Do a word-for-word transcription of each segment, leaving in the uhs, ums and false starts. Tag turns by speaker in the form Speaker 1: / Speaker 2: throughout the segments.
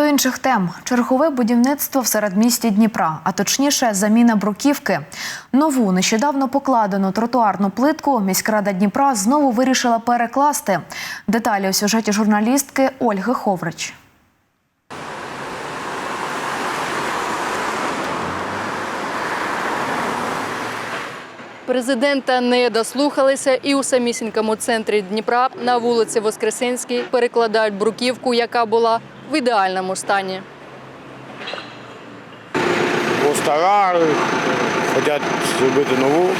Speaker 1: інших тем. Чергове будівництво в середмісті Дніпра, а точніше заміна бруківки. Нову, нещодавно покладену тротуарну плитку міськрада Дніпра знову вирішила перекласти. Деталі у сюжеті журналістки Ольги Ховрич.
Speaker 2: Президента не дослухалися і у самісінькому центрі Дніпра на вулиці Воскресенській перекладають бруківку, яка була в ідеальному стані.
Speaker 3: Бо стара, хочуть зробити нову.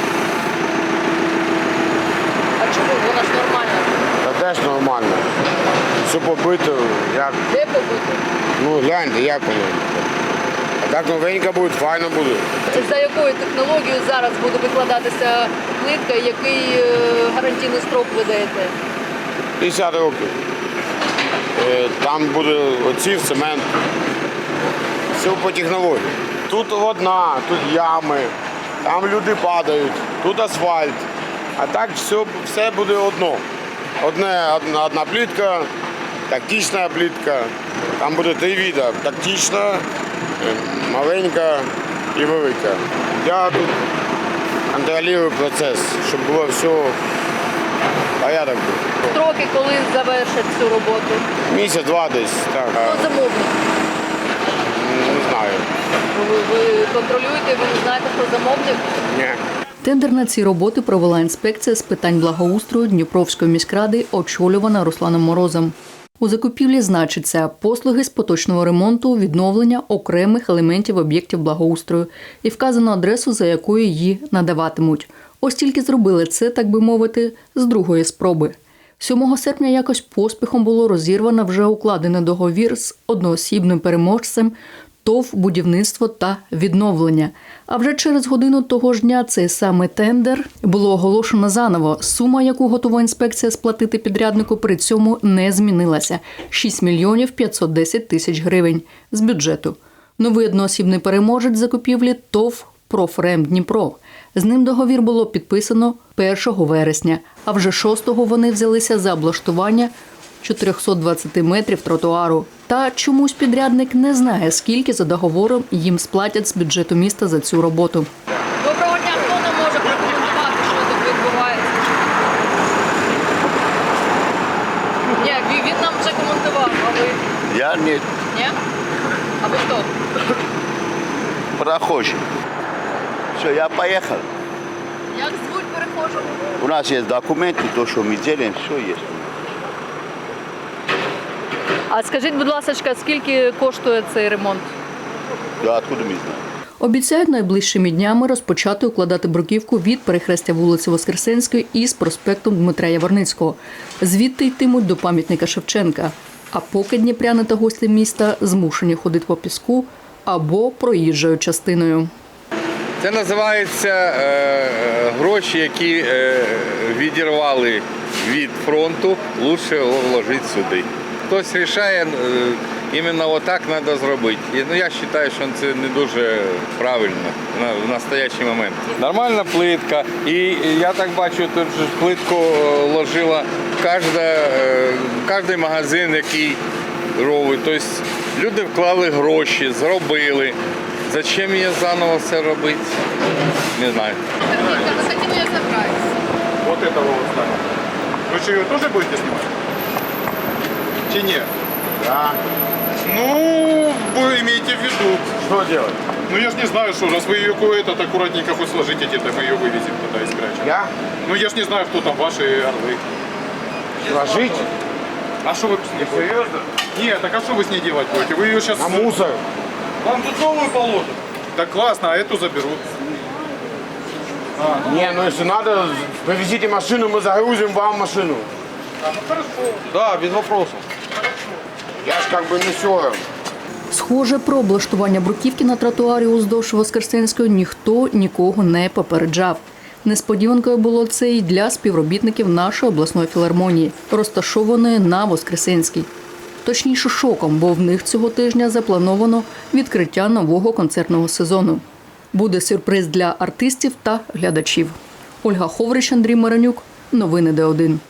Speaker 2: А чому? Вона ж нормальна.
Speaker 3: Та теж нормально. Все побито, як.
Speaker 2: Де побито?
Speaker 3: Ну, гляньте, як воно. А так новенька буде, файно буде.
Speaker 2: За якою технологією зараз буде викладатися плитка, який гарантійний строк ви даєте?
Speaker 3: п'ятдесят років. Там буде оців, цемент. Все по технології. Тут одна, тут ями, там люди падають, тут асфальт. А так все, все буде одно. Одне, одна, одна плитка, тактична плитка. Там буде три види. Тактична, маленька і велика. Я тут контролюю процес, щоб було все порядок був.
Speaker 2: Строки, коли завершать цю роботу?
Speaker 3: Місяць-два десь. Так.
Speaker 2: Хто замовник?
Speaker 3: Не знаю.
Speaker 2: Ви, ви контролюєте, ви не знаєте, хто замовник?
Speaker 3: Ні.
Speaker 2: Тендер на ці роботи провела інспекція з питань благоустрою Дніпровської міськради, очолювана Русланом Морозом. У закупівлі значиться послуги з поточного ремонту, відновлення окремих елементів об'єктів благоустрою і вказано адресу, за якою її надаватимуть. Ось тільки зробили це, так би мовити, з другої спроби. сьомого серпня якось поспіхом було розірвано вже укладений договір з одноосібним переможцем ТОВ «Будівництво та відновлення». А вже через годину того ж дня цей самий тендер було оголошено заново. Сума, яку готова інспекція сплатити підряднику, при цьому не змінилася – шість мільйонів п'ятсот десять тисяч гривень з бюджету. Новий одноосібний переможець закупівлі ТОВ «Профрем Дніпро». З ним договір було підписано першого вересня, а вже шостого вони взялися за облаштування чотириста двадцять метрів тротуару. Та чомусь підрядник не знає, скільки за договором їм сплатять з бюджету міста за цю роботу. Доброго дня, хто нам може прокоментувати, що тут відбувається? Ні, він нам вже коментував, а ви?
Speaker 4: Я не
Speaker 2: Ні? А ви хто?
Speaker 4: прохожий. Все, я поехал.
Speaker 2: Як звуть перехожого?
Speaker 4: У нас есть документы, то, что мы делаем, все есть.
Speaker 2: А скажіть, будь ласка, скільки коштує цей ремонт?
Speaker 4: Да, откуда мы знаем?
Speaker 2: Обіцяють найближчими днями розпочати укладати бруківку від перехрестя вулиці Воскресенської із проспектом Дмитра Яворницького. Звідти йтимуть до пам'ятника Шевченка. А поки дніпряни та гості міста змушені ходити по піску або проїжджою частиною.
Speaker 5: Це називається е, гроші, які е, відірвали від фронту, краще вложити сюди. Хтось вирішує, е, іменно отак треба зробити. І, ну, я вважаю, що це не дуже правильно на, в настоящий момент. Нормальна плитка. І я так бачу, тут же плитку ложила кожна, е, кожен магазин, який робить. Тобто люди вклали гроші, зробили. Зачем мне заново все робить? Не знаю.
Speaker 2: С этим я собираюсь.
Speaker 6: Вот этого вот здания. Вы что, ее тоже будете снимать? Чи нет?
Speaker 3: Да.
Speaker 6: Ну, вы имеете в виду.
Speaker 3: Що делать?
Speaker 6: Ну я ж не знаю, что, раз вы ее кое-то аккуратненько хоть сложите, где-то мы ее вывезем туда и спрячем.
Speaker 3: Я?
Speaker 6: Ну я ж не знаю, кто там ваши орлы.
Speaker 3: Сложить?
Speaker 6: А что вы с ней будете?
Speaker 3: Серьезно?
Speaker 6: Нет, так а что вы с ней делать будете? Вы ее сейчас...
Speaker 3: На мусор.
Speaker 6: Вам тут новую положат. Да классно, а эту заберут. А,
Speaker 3: Не, ну если надо, повезите машину, мы загрузим вам машину.
Speaker 6: а, ну хорошо. Да, без вопросов.
Speaker 3: Я ж как бы не все.
Speaker 2: Схоже, про облаштування бруківки на тротуарі уздовж Воскресенської ніхто нікого не попереджав. Несподіванкою було це і для співробітників нашої обласної філармонії, розташованої на Воскресенській. Точніше, шоком, бо в них цього тижня заплановано відкриття нового концертного сезону. Буде сюрприз для артистів та глядачів. Ольга Ховрич, Андрій Миронюк. Новини Д один.